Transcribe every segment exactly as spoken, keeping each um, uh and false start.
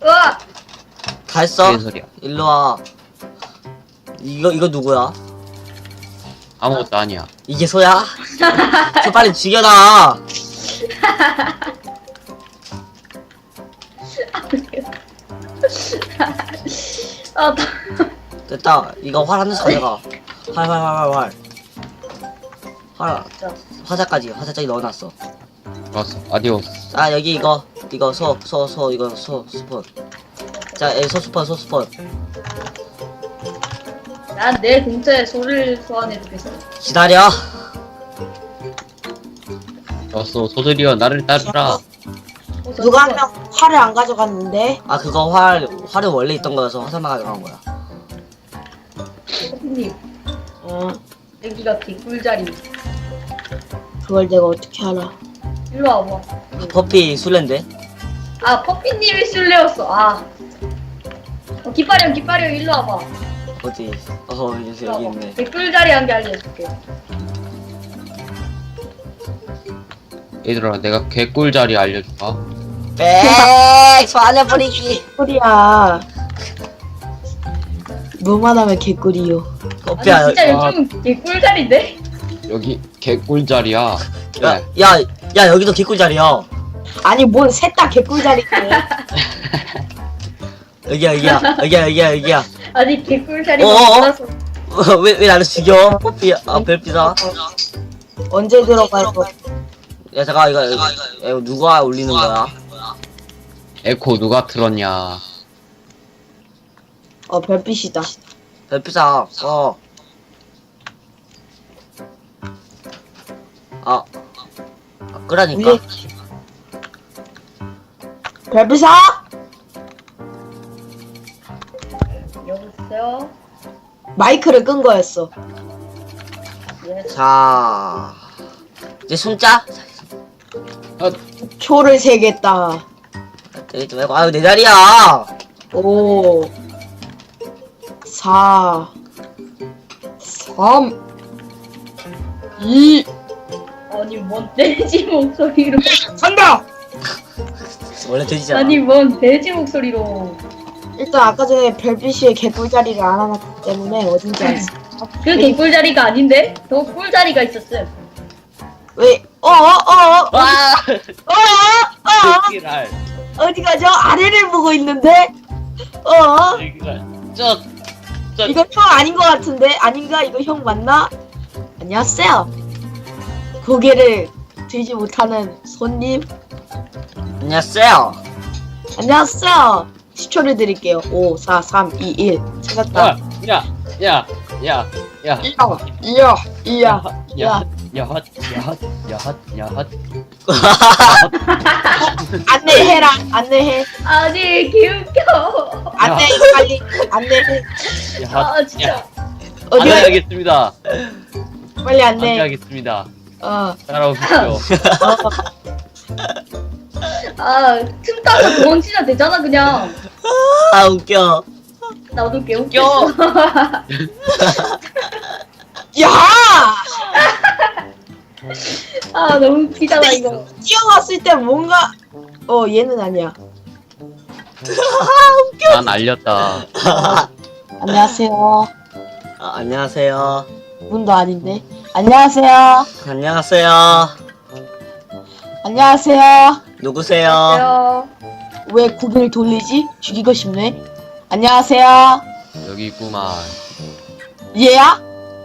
으아! 다 했어? 무슨 소리야? 일로 와. 이거 이거 누구야? 아무것도 아니야. 이게 소야? 소 빨리 죽여라. 아, 나... 됐다. 이거 활 하나씩 가져가. 활 활 활 활 활. 활 진짜. 화자까지 화자까지 넣어놨어. 좋았어. 아디오스. 아 여기 이거 이거 소 소 소 이거 소 스폰. 자 여기 소 스폰 소 스폰. 난 내 근처에 소를 소환해주겠어. 기다려. 좋았어. 소들이여 나를 따르라. 어, 저 누가 한 누구야? 명 활을 안 가져갔는데? 아 그거 활 활은 원래 있던 거여서 화살만 가져간 거야. 커피님, 어, 여기가 개꿀자리. 그걸 내가 어떻게 알아? 일로 와봐. 퍼피 술래인데? 아, 퍼피님이 술래였어. 아. 어, 깃발형, 깃발형, 일로 와봐. 어디? 어 여기 일로 여기 와봐. 있네. 개꿀자리 한 개 알려줄게. 얘들아 내가 개꿀자리 알려줄까? 빽 소환해버리기. 개꿀이야. 뭐만 하면 개꿀이요. 아니, 퍼피야. 진짜 아. 요즘 개꿀자리인데? 여기 개꿀자리야. 그래. 야야 야, 여기도 개꿀 자리야. 아니 뭔 셋 다 개꿀자리네. 여기야 여기야 여기야 여기야 여기야. 아니, 개꿀자리가 어어어? 몰라서. 왜 왜 나를 죽여? 퍼피 아 별피다. 언제 들어가서? 야 잠깐 이거 이거, 이거 누가 올리는 거야? 에코 누가 틀었냐? 어 별빛이다. 별피자 어. 아, 아 끄라니까. 위에 별빛아? 여보세요? 마이크를 끈 거였어. 예. 자 이제 손자. 아, 초를 세겠다. 때리지 말고 아유 내 자리야. 오, 사, 삼, 이, 아니, 뭔 돼지 목소리로. 간다! 원래 돼지잖아. 아니, 뭔 돼지 목소리로. 일단 아까 전에 별빛이 개꿀자리를 안 해놨기 때문에 어딘지 알았어. 그 개꿀자리가 아닌데? 더 꿀자리가 있었음. 왜? 어, 어, 어, 어, 와. 어, 어, 새끼랄. 어, 어디 가죠? 아래를 보고 있는데? 어, 새끼랄. 저, 저. 이거 형 아닌 것 같은데? 아닌가? 이거 형 맞나? 안녕하세요. 고개를 들지 못하는 손님. 안녕하세요. 안녕하세요. 십 초를 드릴게요. 오, 사, 삼, 이, 일. 찾았다. 아, 야, 야, 야, 야. 이야, 이야, 이야. 야, 야헛, 야헛, 야헛, 야헛. 안내해라, 안내해. 아니, 개웃겨. 안내해, 빨리. 안내해. 야헛. 아, 진짜. 어디 가 안내하겠습니다. 빨리 안내. 안내하겠습니다. 어, 따라오십시오. 어. 아, 틈 따서 도망치면 되잖아, 그냥. 아 웃겨. 나도 개웃겨. 야! 아, 너무 웃기잖아, 이거. 뛰어갔을 때 뭔가, 어, 얘는 아니야. 난 알렸다. 안녕하세요. 아, 안녕하세요. 문도 아닌데. 안녕하세요. 안녕하세요. 안녕하세요. 누구세요? 안녕. 왜 고개를 돌리지? 죽이고 싶네. 안녕하세요. 여기 있구만. 얘야?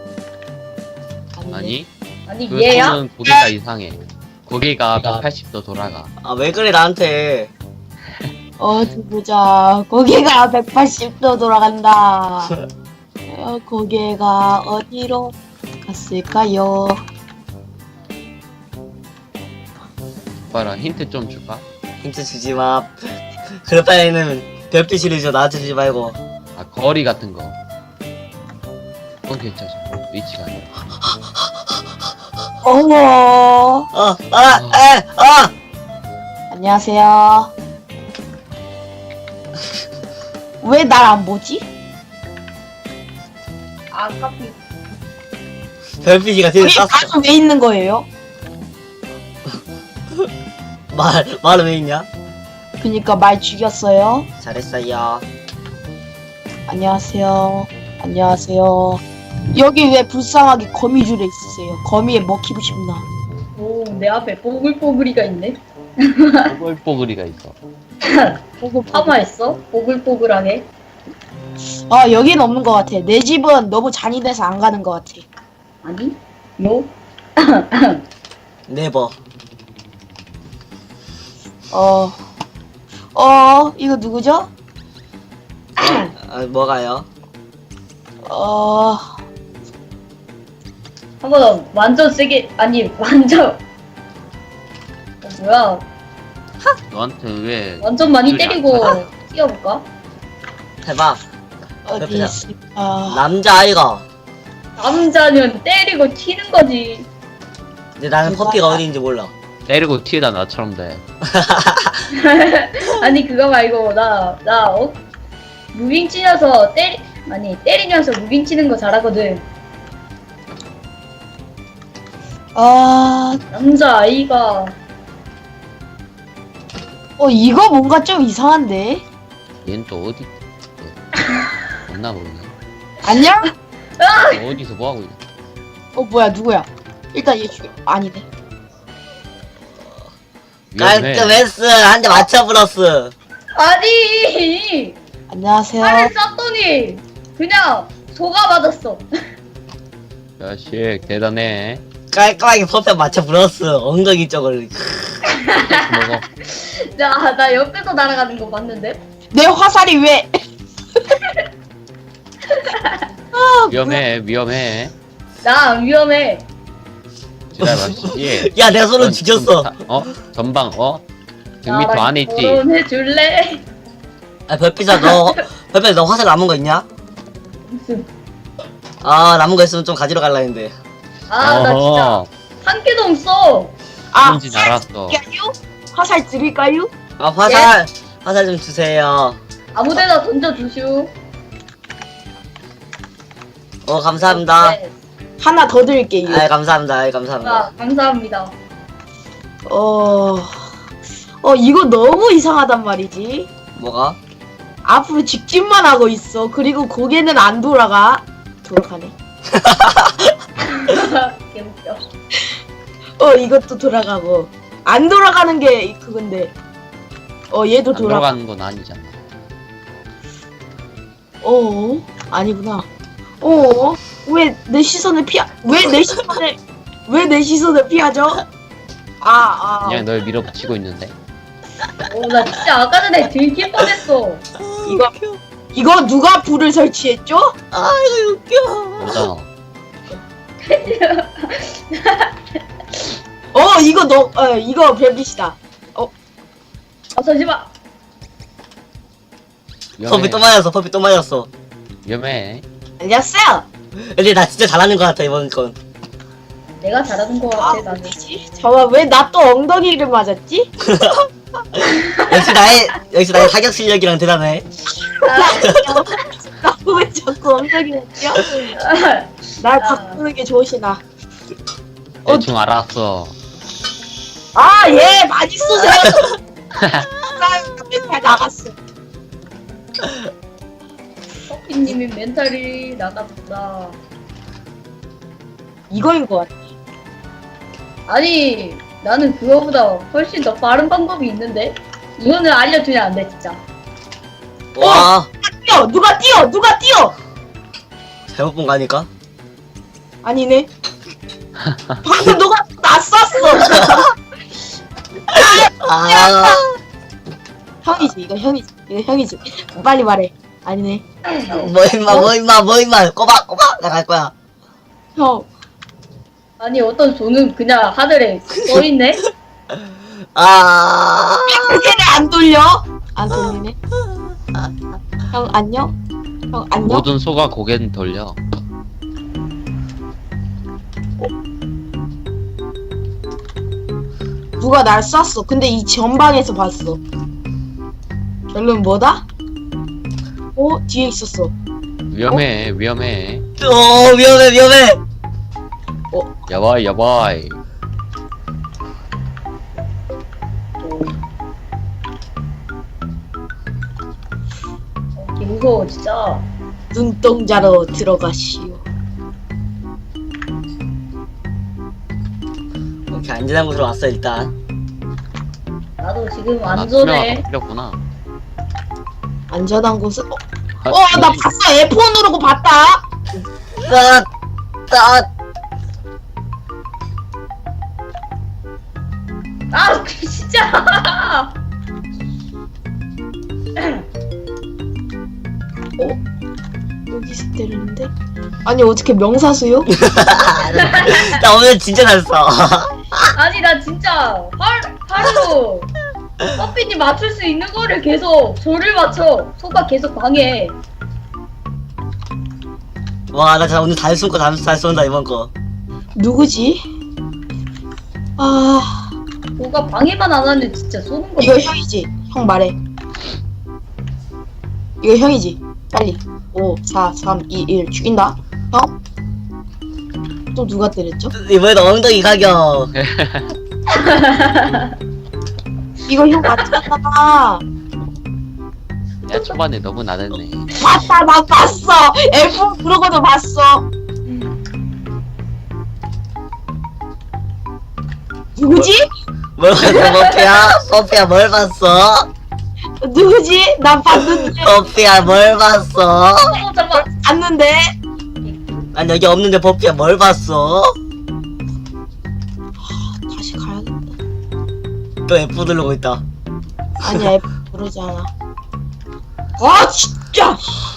아니? 아니, 그 얘야? 손은 고개가 이상해. 고개가 백팔십 도 돌아가. 아 왜 그래 나한테? 어디 보자. 고개가 백팔십 도 돌아간다. 어, 고개가 어디로 갔을까요? 봐라, 힌트 좀 줄까? 힌트 주지 마. 그럴 바에는 별빛이를 줘. 나한테 주지 말고. 아, 거리 같은 거. 그건 괜찮아. 위치가 아니야. 어머. 어, 아, 에, 아. 안녕하세요. 왜 날 안 보지? 아, 카피. 별빛이가 뒤에 우리 쐈어. 나는 왜 있는 거예요? 말 말은 왜 있냐? 그니까 말 죽였어요. 잘했어요. 안녕하세요. 안녕하세요. 여기 왜 불쌍하게 거미줄에 있으세요? 거미에 먹히고 싶나? 오, 내 앞에 뽀글뽀글이가 있네. 뽀글뽀글이가 있어. 파마했어? 뽀글뽀글하게. 아 여긴 없는 것 같아. 내 집은 너무 잔인해서 안 가는 것 같아. 아니? 너? 네버. 어, 어 이거 누구죠? 아, 뭐가요? 어, 한번 완전 세게, 아니, 완전. 어, 뭐야. 너한테 왜 완전 많이 소리 안 때리고 나? 뛰어볼까? 해봐. 어디 그냥. 있을까? 남자아이가. 남자는 때리고 튀는 거지. 근데 나는 대박. 퍼피가 어디인지 몰라. 때리고 튀다 나처럼 돼. 아니, 그거 말고, 나, 나, 어? 무빙 치면서 때리, 아니, 때리면서 무빙 치는 거 잘하거든. 아, 남자아이가. 어 이거 뭔가 좀 이상한데? 얘는 또 어디? 없나 모르네. 안녕? 너 어디서 뭐 하고 있냐? 어 뭐야 누구야? 일단 얘 죽여. 아니네. 위험해. 깔끔했어. 한 대 맞춰 불었어. 아니! 안녕하세요. 팔을 쐈더니, 그냥 속아 맞았어. 자식 대단해. 깔끔하게 퍼피 맞춰 불었어. 엉덩이 쪽을. 먹어. 나, 나 옆에서 날아가는 거 봤는데? 내 화살이 왜? 아, 위험해 위험해. 나 안 위험해. 기다려 씨. 야, 내 손은 넌 죽였어. 좀 다- 어? 전방 어? 백 미터 나랑 안에 있지? 결혼해줄래? 아, 별빛아, 너, 별빛아, 너 화살 남은 거 있냐? 무슨. 아, 남은 거 있으면 좀 가지러 갈라 했는데. 아, 나 진짜 한 개도 없어. 아, 뭔진 알았어. 드릴까요? 화살 드릴까요? 아, 화살, 화살 좀 주세요. 아무데나 던져주슈. 어, 감사합니다. 네. 하나 더 드릴게요. 아, 감사합니다. 아, 감사합니다. 아, 감사합니다. 어, 어 이거 너무 이상하단 말이지. 뭐가? 앞으로 직진만 하고 있어. 그리고 고개는 안 돌아가. 돌아가네. 개웃겨. 어 이것도 돌아가고 안 돌아가는 게 그건데. 어 얘도 안 돌아가. 돌아가는 건 아니잖아. 어 아니구나. 어 왜 내 시선을 피하? 왜 내 시선을 왜 내 시선을 피하죠? 아 아. 그냥 널 밀어붙이고 있는데. 오, 나 진짜 아까 전에 들킬 뻔했어. 이거 이거 누가 불을 설치했죠? 아, 이거 웃겨. 너잖아. 어 이거 너 어 이거 별빛이다. 아, 잠시만. 퍼피 또 맞았어. 퍼피 또 맞았어. 위험해. 안녕하세요. 근데 나 진짜 잘하는 것 같아, 이번 건. 내가 잘하는 거 아 같아, 나는. 뭐지? 잠깐 왜 나 또 엉덩이를 맞았지? 역시 나의, 역시 나의 사격 실력이랑 대단해. 나 왜 자꾸 엉덩이 맞죠? 날 바꾸는 게 좋으시나? 어. 대충 알았어. 아, 예, 많이 쏘세요. 나 멘탈 나갔어. 커피님이 멘탈이 나갔다. 이거인 것 같아. 아니, 나는 그거보다 훨씬 더 빠른 방법이 있는데? 이거는 알려주면 안 돼, 진짜. 와, 뛰어, 누가 뛰어, 누가 뛰어. 잘못 본 거 아닐까? 아니네. 방금 누가 나 쐈어. 아, 형이지, 이거 형이지, 이거 형이지. 빨리 말해. 아니네. 뭐 임마, 뭐 임마, 뭐 임마. 꼬박, 꼬박. 나 갈 거야. 형. 아니, 어떤 손은 그냥 하늘에 떠있네? 아, 고개를 안 돌려? 안 돌리네. 형 안녕? 형 안녕? 모든 소가 고개는 돌려. 누가 날 쐈어. 근데 이 전방에서 봤어. 결론 뭐다? 어? 뒤에 있었어. 위험해 위험해. 오, 위험해, 위험해. 야바이 야바이. 무서워 진짜. 눈동자로 들어가시오. 오케이, 안전한 곳으로 왔어 일단. 나도 지금 아, 안전해. 투명화가 필요했구나. 안전한 곳은 어, 아, 어, 나 봤어. 에프 원 누르고 봤다. 따, 따. 아 진짜. 여기서 때리는데? 아니 어떻게 명사수요? 나 오늘 진짜 잘했어. 아니 나 진짜 하, 하루 커피님 맞출 수 있는 거를 계속 저를 맞춰. 소가 계속 방해. 와, 나 진짜 오늘 잘 쏜 거, 잘, 잘 쏜다 이번 거. 누구지? 아 소가 방해만 안 하면 진짜 쏘는 거. 이거 형이지. 형 말해. 이거 형이지. 빨리. 오, 사, 삼, 이, 일 죽인다. 형? 또 누가 때렸죠? 이번에도 엉덩이 가격. 이거 형 맞잖아. 야, 초반에 너무 나댔네. 봤다, 나 봤어. 에프 원 누르고도 봤어. 누구지? 뭘 봤어, 버피야? 버피야, 뭘 봤어? 누구지? 나 봤는데. 버피야, 뭘 봤어? 어 잠깐. 봤는데. 난 여기 없는데 버피야, 뭘 봤어? 다시 가야겠다. 또 F 누르고 있다. 아니야, 에프 누르지 않아. 아, 진짜.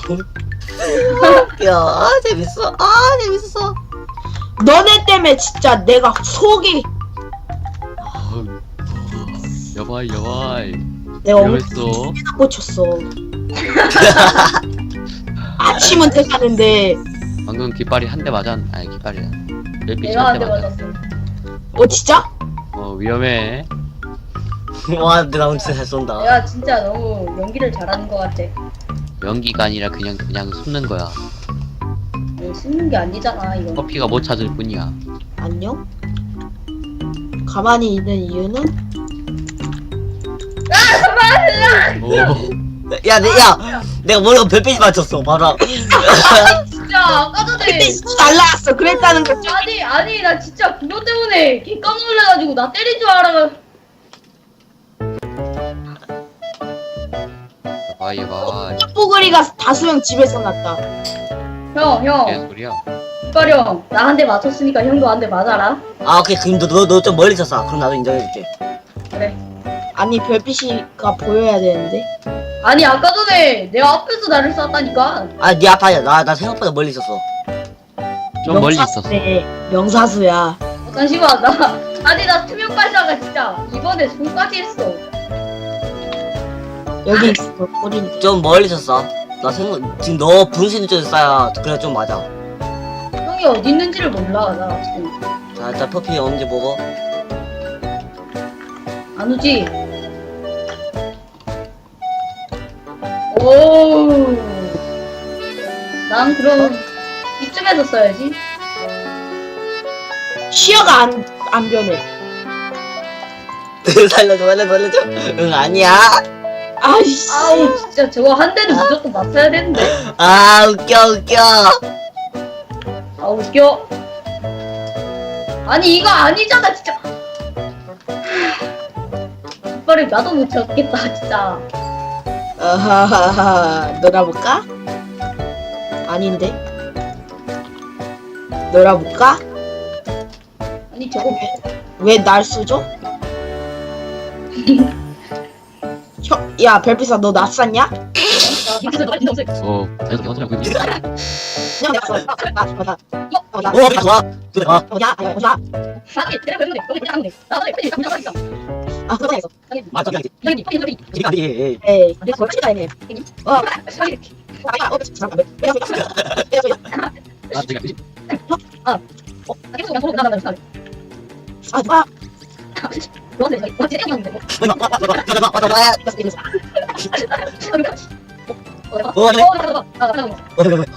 야, 아, 재밌어. 아, 재밌어. 너네 때문에 진짜 내가 속이. 어우, 여바이, 여바이. 내가 엄청 위험했어. 꽂혔어. 아침은 돼가는데. 방금 깃발이 한 대 맞았, 아니, 깃발이야. 멜빛이 내가 한 대 한대 맞았어. 맞았어. 어, 진짜? 어, 위험해. 와, 근데 나 오늘 진짜 잘 쏜다. 내가 진짜 너무 연기를 잘하는 것 같아. 연기가 아니라 그냥, 그냥 숨는 거야. 뭐 숨는 게 아니잖아 이거. 커피가 못 찾을 뿐이야. 안녕? 가만히 있는 이유는? 오, 야, 내, 야, 내가 머리가 별빛이 맞췄어, 봐라. 진짜 아까 전에. 날라왔어. 그랬다는 거. 아니 아니 나 진짜 그거 때문에 개 깜짝 놀래가지고 나 때린 줄 알아. 여바이, 여바이. 뽀글이가 다수형 집에서 났다. 형 형. 개소리야. 형, 나 한 대 맞췄으니까 형도 한 대 맞아라. 아, 오케이. 그럼 너, 너, 너 좀 멀리 쳤어. 그럼 나도 인정해줄게. 그래. 아니 별빛이가 보여야 되는데. 아니 아까 전에 내 앞에서 나를 쐈다니까. 아, 네 아파야. 나, 나 생각보다 멀리 있었어. 좀 멀리 있었어. 네, 명사수야. 어, 잠시만 나 아니 나 투명 발사가 진짜 이번에 손까지 했어. 여기 있어. 꼬리인데. 좀 멀리 쳤어. 나 생각, 지금 너 분신 쪽에 쏴야 그래 좀 맞아. 형이 어디 있는지를 몰라 나 지금. 자, 일단 퍼피 언제 보고. 안 오지? 오. 난 그럼 이쯤에서 써야지. 시야가 안, 안 변해. 살려줘, 살려줘, 살려줘. 응, 아니야. 아이씨. 아우 진짜 저거 한 대는 무조건 맞춰야 되는데. 아, 웃겨, 웃겨. 아 웃겨. 아니 이거 아니잖아 진짜. 이빨을 나도 못 찾겠다 진짜. 아하하하. 놀아볼까? 아닌데. 놀아볼까? 아니 저거 왜 날 쏘죠? 형, 야 별빛아 너 낯쌌냐? 어, 자기가 어쩌라고 그러지? 그냥 내가 쏘. 나, 나, 나, 어, 나, 오, 좋아. 그래, 와. 어디야? 아니, 어디야? 아니 내가 그랬는데 너무 그냥 하는데 나도 빨리 감정 하니까. 아, 그거 했어. 맞아, 그냥. 형님 빨리 빨리 지금 안 돼. 에이, 내가 그걸 치다 했네. 어, 빨리. 아, 어, 잠깐만. 내가 쏘. 내가 쏘. 아, 내가 그지? 어 계속 그냥 소리 나가는 거. 아, 누가? 너한테 저기 어제 형인데. 맞아, 맞아, 맞아, 맞아, 맞아, 맞아. 이겼어, 이겼어. 어 내가. 어, 네. 어 내가 나가 나가. 어, 그래, 그래.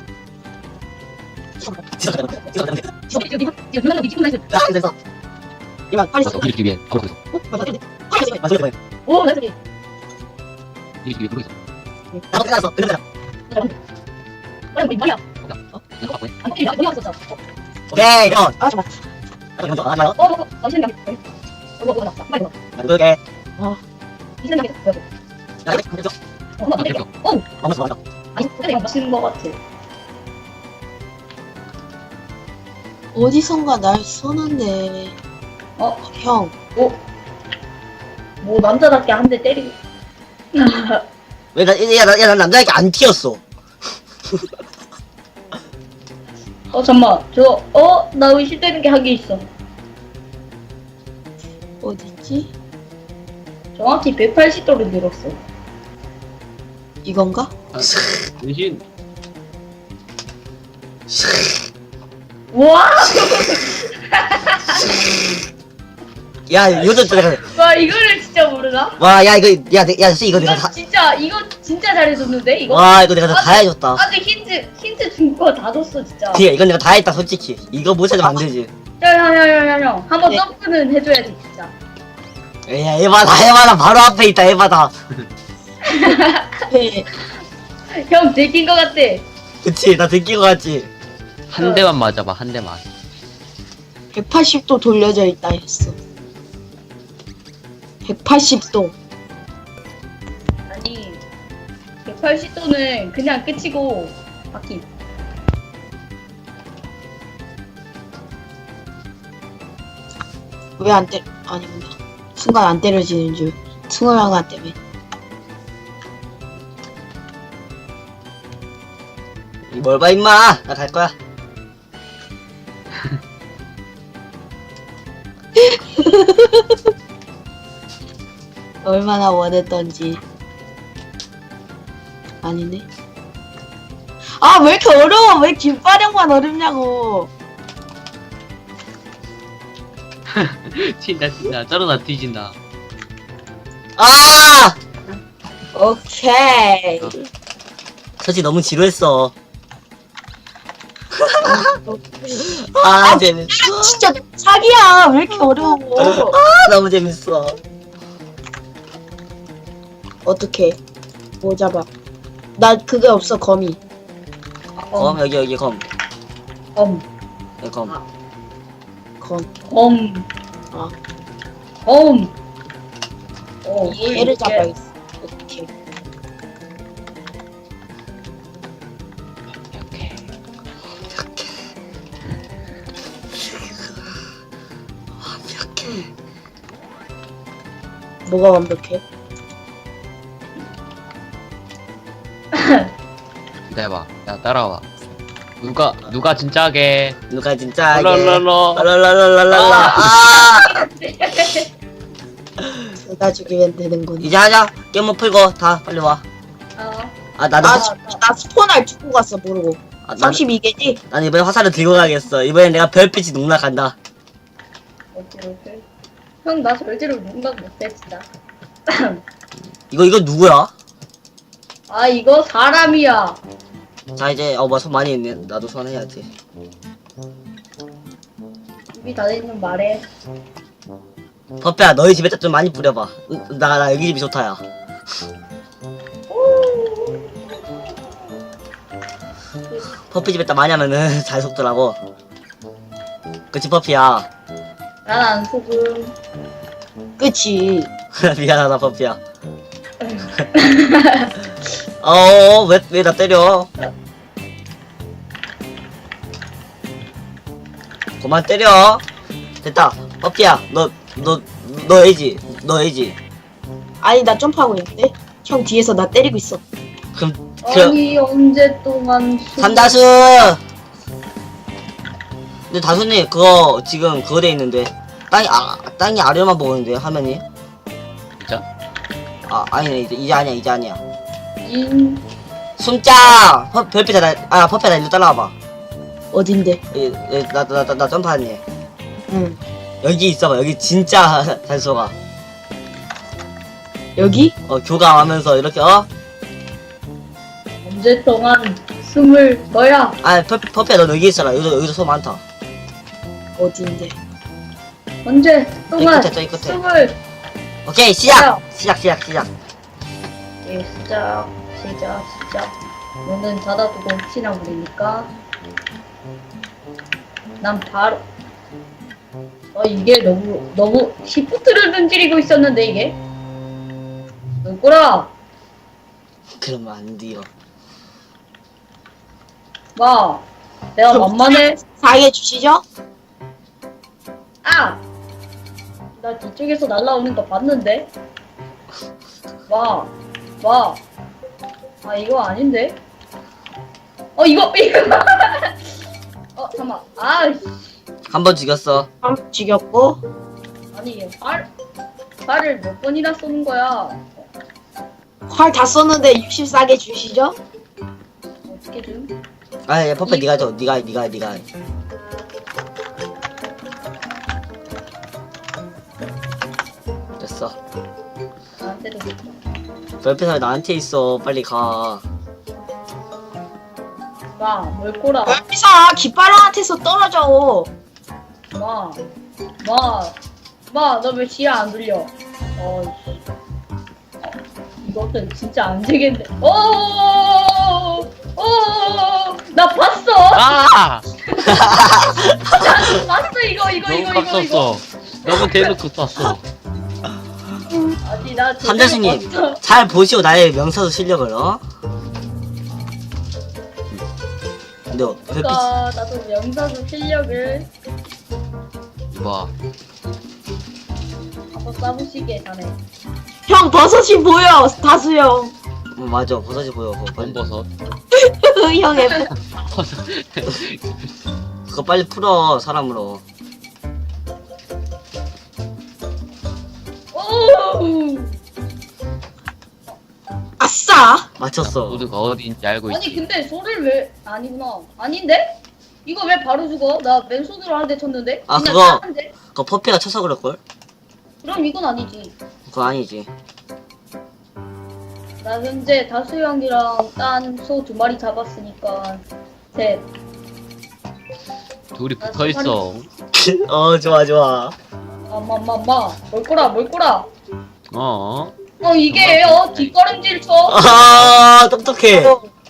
진짜 잘해, 진짜 잘해. 지금 지금 지금 누나가 미치고 나 있어. 아, 됐어. 이만 빨리 쏘. 어, 이렇게 위에 걸고 있어. 어, 맞아, 맞아. 빨리 쏘. 맞아, 그래. 오 나도. 이렇게 위에 걸고 있어. 나도 끝났어. 끝났어. 우리 말이야. 어? 이거 갖고 있네. 아니 어디 갔었어? 오케이 이거 아 잠깐. 이거 더 하나요? 어, 어, 어, 잠시만. 이거 이거 났다. 빨리 넣어. 만들게 이 생각에 여기. 야 이거 만들죠 어, 어, 이거. 어, 맞았어 맞아 아니, 근데 이거 미친 거 같아. 어디선가 날 쏘는데. 어, 형. 뭐 남자답게 한 대 때리고. 왜나야난 남자에게 안 튀었어 어, 잠만. 저, 어, 나 의심되는 게 한 개 있어. 어딨지? 정확히 백팔십 도를 늘었어. 이건가? 대신 와, 야 요즘 또 내가 와 이거를 진짜 모르나? 와야 이거 야야 이거 내가 이거 다 진짜 이거 진짜 잘해줬는데 이거? 와 이거 내가 다, 다 해줬다 아직 힌트 힌트 준 거 다 줬어 진짜. 그래 이건 내가 다 했다 솔직히 이거 못 찾으면 안 되지 야야야야야 한번 네. 점프는 해줘야지 진짜. 야 에바다 에바다 바로 앞에 있다 에바다 네. 형 들킨 거 같대. 그치 나 듣긴 거 같지 한 대만 맞아봐 한 대만. 백팔십 도 돌려져 있다 했어. 백팔십 도. 아니 백팔십 도는 그냥 끝이고 바퀴. 왜 안 때려? 아니구나. 순간 안 때려지는 줄. 승호양아 때문에. 뭘 봐 임마 나 갈 거야 얼마나 원했던지. 아니네. 아, 왜 이렇게 어려워? 왜 김빠령만 어렵냐고. 튄다 튄다 쩔어다 뒤진다. 아 오케이. 솔직히 너무 지루했어 아 재밌어 진짜 사기야. 왜 이렇게 어려워? 아 너무 재밌어 어떡해. 뭐 잡아. 나 그게 없어, 거미. 검 여기 여기 검 검. 여기 검 검. 검. 아. 검. 어, 얘를 잡아야겠어. 오케이. 이렇게. 완벽해 뭐가 완벽해? 기다려봐. 야 따라와. 누가 누가 진짜게. 누가 진짜 랄랄랄라. 랄랄랄랄랄라 아 둘다 죽이면 되는군. 이제 하자 게임 풀고 다 빨리 어. 와아 나도 아, 화- 지- 나 스폰알 죽고 갔어, 모르고. 아, 나는, 삼십이 개지? 난 이번에 화살을 들고 가겠어 이번엔 내가 별빛이 농락한다 오케이 오케이. 형나 절대로 농락 못해 진짜. 이거 이거 누구야? 아 이거 사람이야. 자 이제 어뭐 손 많이 있네 나도 손 해야지 입이 닫아있는 말해. 퍼페야 너희 집에다 좀 많이 뿌려봐 나 나 여기 집이 좋다야 퍼피 집에다 많이 하면은 잘 속더라고 그치 퍼피야 난 안 속음. 그치. 미안하다 퍼피야 어왜 왜 나 때려 그만 때려 됐다 퍼피야 너 너 너 애지 너 애지 아니, 나 점프하고 있는데? 형 뒤에서 나 때리고 있어. 그럼 그 아니 언제 동안 수- 삼다수 근데 다수님 그거 지금 그거 돼 있는데 땅이 아 땅이 아래만 보이는데 화면이 진짜? 아 아니네 이제 이제 아니야 이제 아니야 인 숨자 퍼 별빛아 나아 퍼페 나 일로 따라와봐 어딘데? 나나 나 나 점프하니 응. 여기 있어봐 여기 진짜 단소가 여기? 어 교감하면서 이렇게 어? 언제 동안 숨을 너야. 아 퍼, 퍼페 너 여기 있어라 여기도 여기도 소 많다 어딘데? 언제 동안 저기 끝에, 저기 끝에. 숨을 오케이 시작 시작 시작 시작 예, 시작 되자 진짜. 문은 닫아두고 혹시나 모르니까. 난 바로. 어 이게 너무 너무 시프트를 눈질이고 있었는데 이게. 누구라? 그러면 안 돼요. 마. 내가 만만해. 사게 주시죠? 아! 나 뒤쪽에서 날라오는 거 봤는데? 와, 와. 아, 이거 아닌데? 어, 이거, 이거. 어, 잠깐만. 아, 씨. 한 번 죽였어. 한 죽였고. 아니, 활, 활을 몇 번이나 쏘는 거야? 활 다 썼는데 육십사 개 주시죠? 어떻게 좀? 아, 야, 퍼페 네가 줘. 네가, 네가, 네가. 해. 됐어. 나한테도 줬다. 별빛아 나한테 있어. 빨리 가. 마, 뭘 꼬라. 별피사 깃발한테서 떨어져. 마, 마, 마, 너 왜 지하 안 돌려? 어, 씨. 어, 이것도 진짜 안 되겠네. 오, 오, 나 봤어. 아! 나 봤어 이거 이거 너무 이거 깜 이거 이거. 썼어. 너무 대놓고 쐈어. 아니 나 제대로 함자수님 봤어. 잘 보시오 나의 명사수 실력을 어? 근데 별빛 그러니까 나도 명사수 실력을 이봐. 한번 싸보시게 자네. 형 버섯이 보여. 다수형. 어, 맞아 버섯이 보여 그거 빨리, 본버섯. 형의 그거 빨리 풀어 사람으로. 오. 아싸. 맞췄어. 모두가 어디인지 알고 아니 있지. 근데 소리를 왜 아니구나. 아닌데? 이거 왜 바로 죽어? 나 맨손으로 한 대 쳤는데. 아, 그냥 그거- 땄는데? 그거 퍼피가 쳐서 그럴걸? 그럼 이건 아니지. 그거 아니지. 나 현재 다수형이랑 딴 소 두 마리 잡았으니까 셋. 둘이 붙어 있어. 어 좋아 좋아. 엄마엄마엄마 뭘 꼬라 뭘 꼬라. 어? 어 이게 어 뒷걸음질 쳐. 아 똑똑해.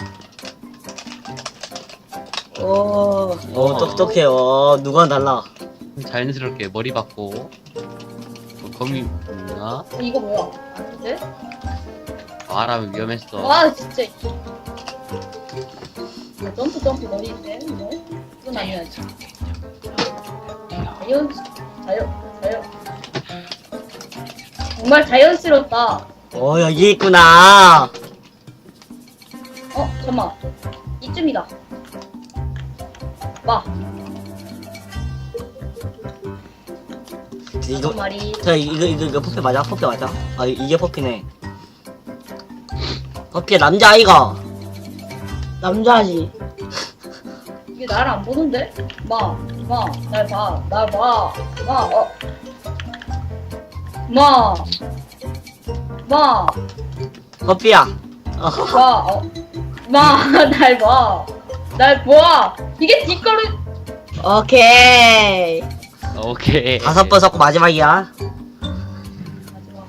오. 어 똑똑해. 어 누가 달라. 자연스럽게 머리 받고. 뭐 거미 있나? 어, 이거 뭐야? 아닌데? 말하면 위험했어. 와 진짜. 어, 점프 점프 머리인데 이거? 이건 아니야지. 자연 자연 자연. 정말 자연스럽다. 어 여기 있구나. 어 잠만 이쯤이다. 와 이거 다섯 마리. 자 이거 이거 이거 퍼피 맞아? 퍼피 맞아? 아 이- 이게 퍼피네. 퍼피 남자 아이가. 남자지. 이게 나를 안 보는데? 마, 마, 날 봐, 날 봐, 마, 어, 마, 마, 퍼피야. 어. 마, 어, 마, 날 봐, 날 봐. 이게 뒷걸음. 오케이. 오케이. 다섯 번 섞고 마지막이야. 마지막.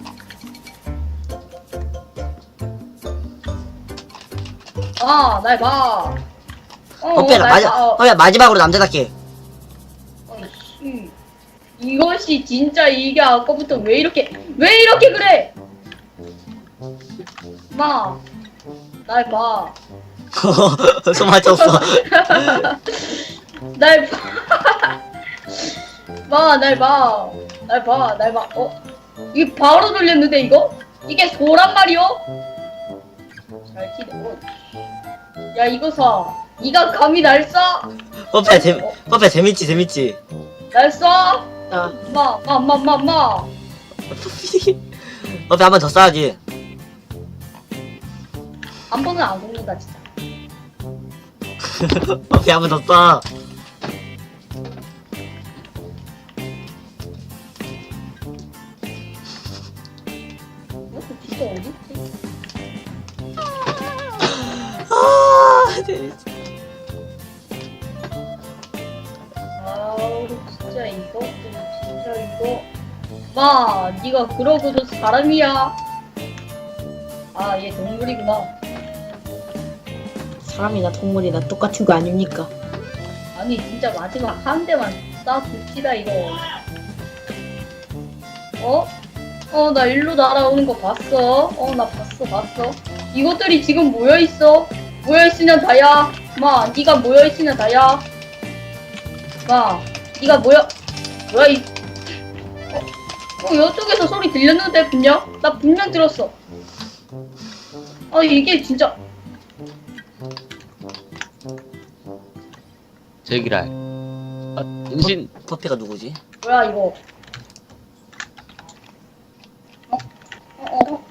아, 날 봐. 어, 퍼피야 날 마지 봐, 어. 퍼피야 마지막으로 남자답게. 어이씨. 이것이 진짜 이게 아까부터 왜 이렇게 왜 이렇게 그래? 마, 날 봐, 손 맞췄어. 날 봐, 마, 날 봐, 날 봐, 날 봐. 어? 이게 바로 돌렸는데 이거? 이게 소란 말이요? 잘 튀네. 어. 야 이거 사. 네가 감히 날 쏴? 퍼피야 재 퍼피야 재밌지 재밌지. 날 쏴? 자, 마, 마, 마, 마, 마. 퍼피 한 번 더 쏴야지. 한 번은 안 죽는다 진짜. 퍼피 한 번 더 쏴. 이것도 진짜 어디 있지? 아 재밌지. 아우 진짜 이것도 진짜 이거 마 네가 그러고도 사람이야. 아, 얘 동물이구나. 사람이나 동물이나 똑같은 거 아닙니까? 아니, 진짜 마지막 한 대만 쏴줍시다, 이거. 어? 어, 나 일로 날아오는 거 봤어. 어, 나 봤어, 봤어. 이것들이 지금 모여있어. 모여있으면 다야. 마, 니가 모여있으면 다야. 마, 니가 모여, 뭐야, 이. 어, 어, 이쪽에서 소리 들렸는데, 분명? 나 분명 들었어. 아, 이게 진짜. 제기랄. 아, 은신. 퍼피가 누구지? 뭐야, 이거. 어? 어,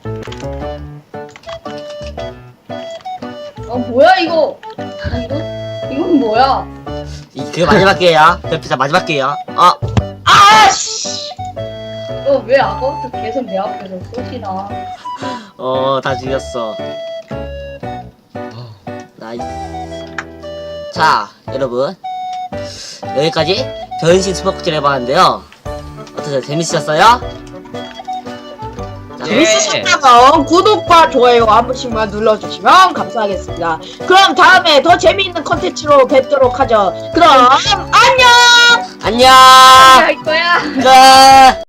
어. 어, 뭐야, 이거. 아, 이거? 이건 뭐야? 이 그게 마지막 기회야. 퍼피자 마지막 기회야. 아, 아씨! 너 왜 아까부터 계속 내 앞에서 쏘시나? 어, 다 죽였어. 어, 나이스. 자, 여러분. 여기까지 변신 스포츠를 해봤는데요. 어떠세요? 재밌으셨어요? 자, 예. 재밌으셨다면 구독과 좋아요 한 번씩만 눌러주시면 감사하겠습니다. 그럼 다음에 더 재미있는 컨텐츠로 뵙도록 하죠. 그럼 안녕! 안녕! 할 거야? 끝!